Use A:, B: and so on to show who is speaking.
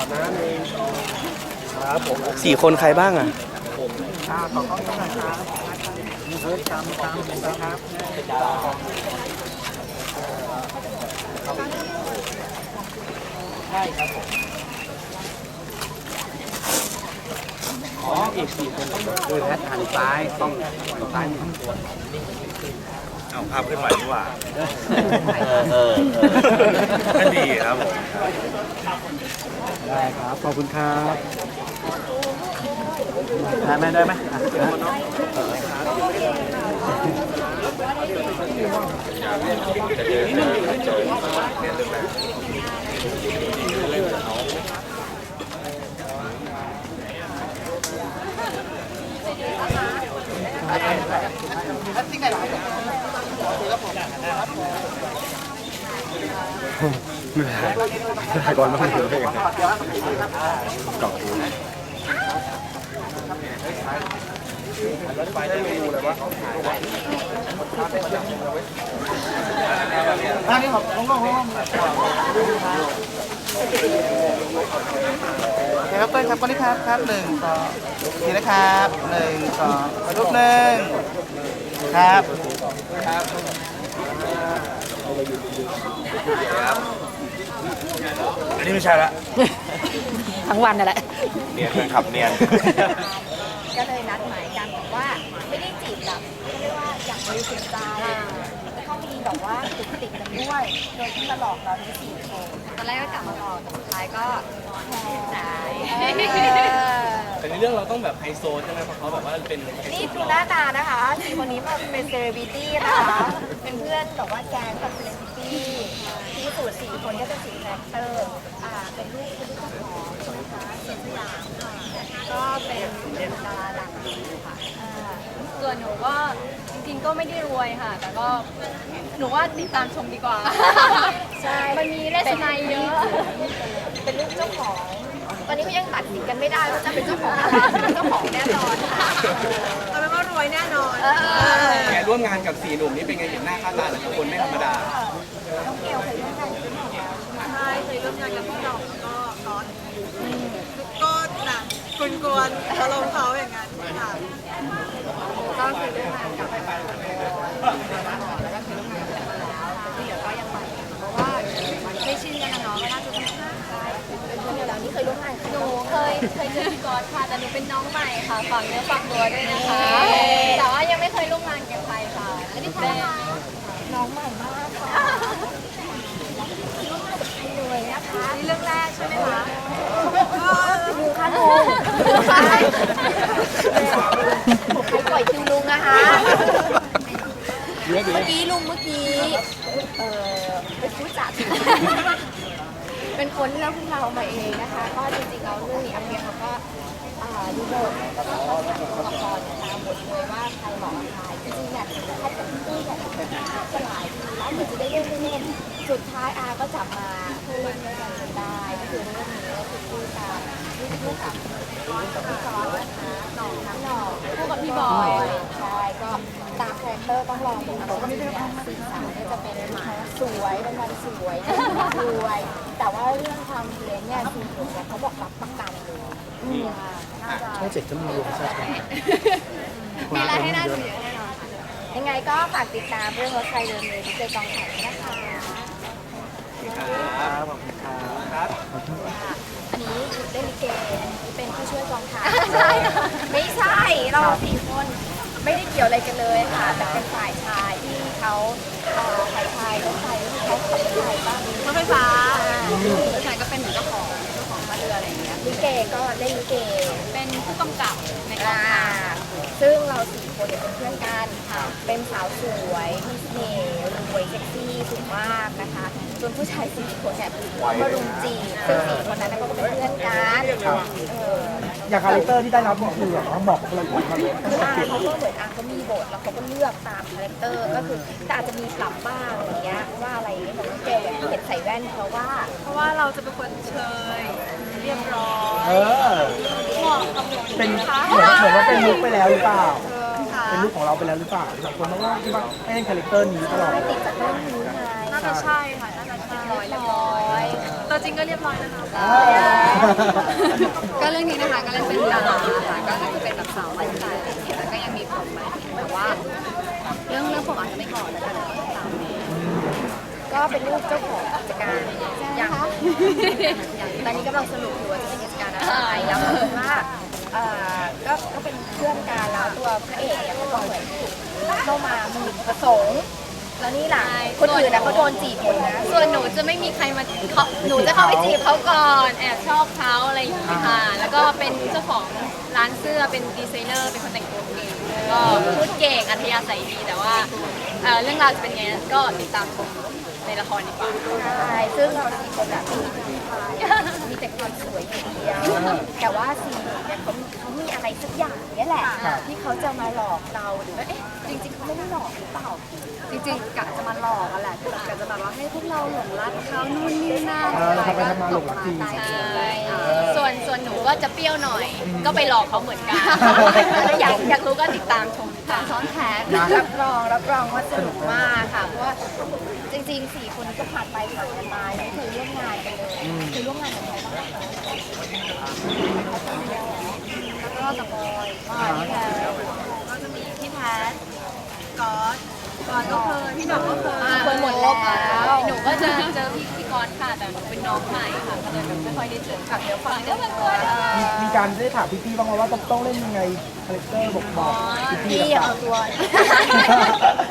A: ครับผม
B: 4 คนใครบ้างอ่ะ
A: ขอต้องนะครับตามนะครับใช่ครับผมอ๋ออีก4 คนคือแพทย์หันซ้ายต้องซ้ายทั้งตัว
C: เอาภาพขึ้นใหม่ดีกว่าก็ดีครับผม
A: ได้ครับขอบคุณครับได้ไหมได้ไหมก่อนมาถึงเลยกล่องไปได้ไม่ดูเลยวะอันนี้ครับลงครับเต้ยครับก้อนนี้ครับ1 2ทีนะครับ1 2รูป1ครับ
C: อันนี้ไม่ใช่ละ
D: ทั้งวันนั่นแหละ
C: เนียนเป็นขับเนียน
D: ก็เลยนัดหมายกันแต่ว่าไม่ได้จีบแบบเรียกว่าอย่างบริสุทธิ์ใจแล้วก็มีแบบว่าติดกันด้วย โดยที่มาหลอกเราทั้ง4 คนตอนแรกก็กลับมาหลอกแต่สุดท้ายก็หาย
A: แต่ในเรื่องเราต้องแบบไฮโซใช่ไหมเพราะเขาแบบว่าเป็น
D: นี่ดูหน้าตานะคะ4 คนนี้มาเป็นเซเลบริตี้นะคะ เป็นเพื่อนแบบว่าแก๊งกับเซเลบริตี้ที่สูตร4 คนก็จะ4 คาแรคเตอร์เป็นลูกเจ้าของใช่ไหมคะเสียงสยามค่ะก็เป็นดาราดังค่ะ
E: ส่วนหนูก็จริงๆก็ไม่ได้รวยค่ะ แต่ก็หนูว่าติดตามชมดีกว่า
D: ใช่
E: มันมีเลสไนเยอะ
D: เป็นลูกเจ้าของ ตอนนี้เขายังตัดสินกันไม่ได้ว่าจะเป็นเจ้าของอะไรเป็นเจ้าของแน่นอนค่ะเอาเป็นว่ารวยแน่นอน
A: แกร่วมงานกับ4 หนุ่มนี่เป็นไงเห็นหน้าค่าตาแต่ละคนไม่ธรรมดา
D: น้องเกลเคยร่วมงานกับพี่หน่องแล้วใช่เคยร่วมงานกับพี่หน่องแล้วก็ร้อนก็หนักกวนๆอารมณ์เขาอย่างนั้นค่ะก็เคยร่วมงานกับแล้วก็เคยร่วมงานกันมาแล้วที่เหลือก็ยังไปเพราะว่าไม่ชินกันนะเนาะก็น่าจะต้องใช่เป็นคนอยู่แล้วนี่เคยร่วมงาน
E: หนูเคยเจอพี่กอดค่ะแต่หนูเป็นน้องใหม่ค่ะฝากเนื้อฝากตัวด้วยนะคะ แต่ว่ายังไม่เคยร่วมงานกับใครค่ะอันนี้เป็น
D: น้องใหม่มากค่ะร่วมงานกับใครเลยนะคะนี่เรื่องแรกใช่ไหมคะลุงคะลุงใครปล่อยคิวลุงนะคะเมื่อกี้เป็นผู้จัดเป็นคนเลือกพวกเรามาเองนะคะก็จริงๆเราเรื่องนี้อัพเดียเขาก็ดูบทแล้วก็ถ่ายตัวละครตามบทเลยว่าใครเหมาะกับใครจริงๆเนี่ยถ้าจะพูดแบบจะหลายทีแล้วเหมือนจะได้เล่นสุดท้ายก็จับมาพูดเล่นด้วยกันจนได้ก็คือเรื่องนี้ก็คือพูดกับพี่ซอสนะคะน้อง
E: คู่กับพี่บอย
D: ใช่ก็ตามคาแรคเตอร์ต้องลองดูนะสีสันก็จะเป็นสวยเป็นวันสวยรวยแต่ว่าเรื่องความเพียรเนี่ยคือเขาบอกรับประกันเลย
A: ช่อง7ก็มีรวมใช่ไหม
E: มีอะไรให้น่าดูเยอะแน่นอนค่ะ
D: ยังไงก็ฝากติดตามเรื่องรถไฟเดินเลยที่เจอกองถ่ายนะคะ
A: ครับขอบคุณครับ
D: อันนี้เล่นลิเกเป็นผู้ช่วยกองถ่ายไม่ใช่เรา4 คนไม่ได้เกี่ยวอะไรกันเลยค่ะแต่เป็นฝ่ายชายที่เขาถ่ายรถไฟที่เขาขับรถไฟบ้าง
E: รถไฟฟ้ารถไฟก็เป็นเหมือนเจ้าของมาเรืออะไรอย่างเงี้ย
D: ลิเกก็เล่นลิเก
E: เป็นผู้กำกับในกองถ่าย
D: ซึ่งเรา4 คนเป็นเพื่อนกันค่ะเป็นสาวสวยมีเสน่ห์รวยเซ็กซี่สูงมากนะคะส่วนผู้ชาย4 คนเนี่ยมารุมจีบซึ่ง4 คนนั้นก็เป็นเพื่อนกัน
A: อย่างคาแรคเตอร์ที่ได้รับนี่คือเขาบอกอะไร
D: เขาก็เหมือนเขามีบทแล้วเขาก็เลือกตามคาแรคเตอร์ก็คือแต่อาจจะมีปรับบ้างอย่างเงี้ยว่าอะไรอย่างเงี้ยแต่ว่าแกอย่างที่เห็นใส่แว่นเพราะว่า
E: เราจะเป็นคนเชยเรียบร้อย
D: เหมาะกับหนู
A: เป็นเหมือนว่าเป็นลุคไปแล้วหรือเปล่าเป็นลุคของเราไปแล้วหรือเปล่าบางคนบอกว่าที่ว่าให้เล่นคาแรคเตอร์นี้ตลอด
D: ไม่ติดจากเรื่องนี้ไง
E: น่าจะใช่ค่ะน่าจะใช่
D: เรียบร้อย
E: ตัวจริงก็เรียบร้อยนะคะ
B: ก็เรื่องนี้นะคะก็เล่นเป็นดาราค่ะก็คือเป็นแบบสาวไลฟ์สไตล์อะไรอย่างเงี้ยแล้วก็ยังมีผมมาแต่ว่าเรื่องผมอาจจะไม่บอกแล้วกันแต่ว่าตามนี้
D: ก็เป็นลูกเจ้าของกิจการอย่างตอนนี้กำลังสรุปอยู่ว่าจะเป็นกิจการอะไรแล้วก็คือว่าก็เป็นเพื่อนกันแล้วตัวพระเอกเนี่ยเขาก็เหมือนเข้ามามีประสงค์แล้วนี่ล่ะคนอื่นนะเขาโดนจีบหมดนะ
E: ส่วนหนูจะไม่มีใครมาหนูจะเข้าไปจีบเขาก่อนแอบชอบเขาอะไรอย่างเงี้ยค่ะแล้วก็เป็นเจ้าของร้านเสื้อเป็นดีไซเนอร์เป็นคนแต่งตัวเก่งก็พูดเก่งอัธยาศัยดีแต่ว่าเรื่องราวจะเป็นไงก็ติดตามชมในละครดีกว่า
D: ใช่ซึ่งเราสี่คนแบบมีแต่ความสวยอย่างเดียวแต่ว่าสี่เนี่ยเขามีอะไรสักอย่างเนี่ยแหละที่เขาจะมาหลอกเราหรือว่าเอ๊ะจริงๆเขาไม่ได้หลอกหรือเปล่า
B: จริงๆกะจะมาหลอกกันแหละคือกะจะแบบว่าให้พวกเราหลงรักเขานู่นนี่นั่นตกมาใจ
E: ใช่ส่วนหนูก็จะเปรี้ยวหน่อย ก็ไปหลอกเขาเหมือนกันถ้าอยากรู้ก็ติดตามชมค่ะ
B: ซ้อนแผน
D: รับรองว่าสนุกมากค่ะเพราะว่าจริงๆ4คนก็ผ่านไปผ่านกันมาไม่เคยร่วมงานกันเลยคือร่วมงานกับใครบ้างคะ
B: แล้วก็กับบอยนี่แหละก็จะมีพี่แพทก๊อตก็เคยพี่หน่องก็เคย
D: เคยหมดแล้ว
E: หนูก็จะเจอพี่กรณ์ค่ะ แต่หนูเป็นน้องใหม่ค่ะ ก็เลยแบบไม่ค่อยได้เจอค่ะเดี๋ยวฟังเรื่องตัว
F: มีการได้ถามพี่ๆบ้างไหมว่าต้องเล่นยังไงคาแรคเตอร์บอกพี่
D: พี่
F: ๆ
D: เอาตัว